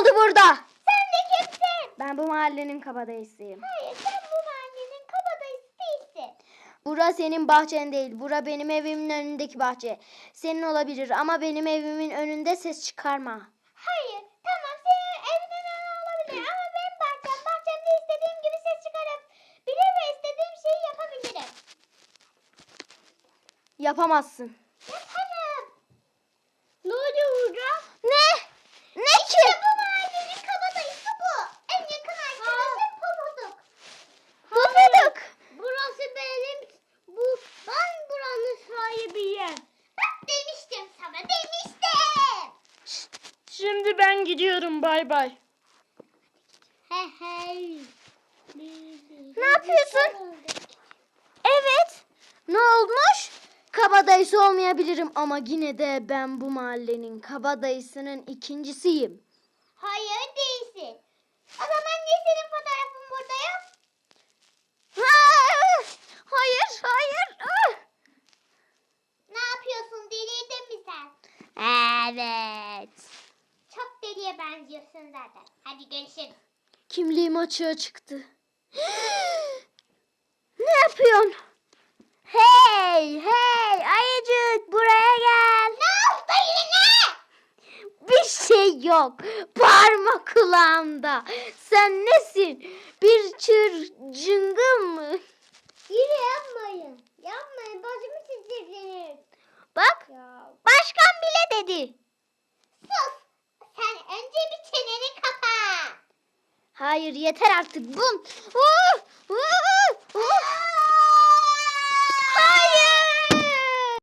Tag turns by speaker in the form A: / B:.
A: oldu burada?
B: Sen de kimsin?
A: Ben bu mahallenin kabadayısıyım.
B: Hayır, sen bu mahallenin kabadayısı değilsin.
A: Bura senin bahçen değil. Bura benim evimin önündeki bahçe. Senin olabilir ama benim evimin önünde ses çıkarma.
B: Hayır, tamam senin evinin önü olabilir ama benim bahçemde istediğim gibi ses çıkarabilir ve istediğim şeyi yapabilirim.
A: Yapamazsın.
B: Yaparım. Ne oluyor burada?
A: Ne? Ne
B: İşte
A: ki?
B: bu mahallenin kabadayısı bu. En yakın arkadaşım Pofuduk.
A: Pofuduk.
B: Burası benim, ben buranın sahibiyim. Bak demiştim sana, demiştim.
C: Şimdi ben gidiyorum, bay bay.
B: He he.
A: Ne yapıyorsun? Evet. Ne olmuş? Kabadayısı olmayabilirim ama yine de ben bu mahallenin kabadayısının ikincisiyim.
B: Hayır değilsin. O zaman niye senin fotoğrafın burada yok?
A: Hayır, hayır.
B: Ne yapıyorsun? Delirdin mi sen?
A: Evet.
B: Çok deliye benziyorsun zaten. Hadi görüşürüz.
A: Kimliğim açığa çıktı. Ne yapıyorsun? Hey, ayıcık buraya gel.
B: Ne oldu yine?
A: Bir şey yok. Parmak kulağımda. Sen nesin? Bir cıngıl mı?
B: Yine yapmayın. Yapmayın. Başımı çizdirdiniz.
A: Bak,
B: Ya.
A: başkan bile dedi.
B: Sus. Sen önce bir çeneni kapa.
A: Hayır, yeter artık. Bum.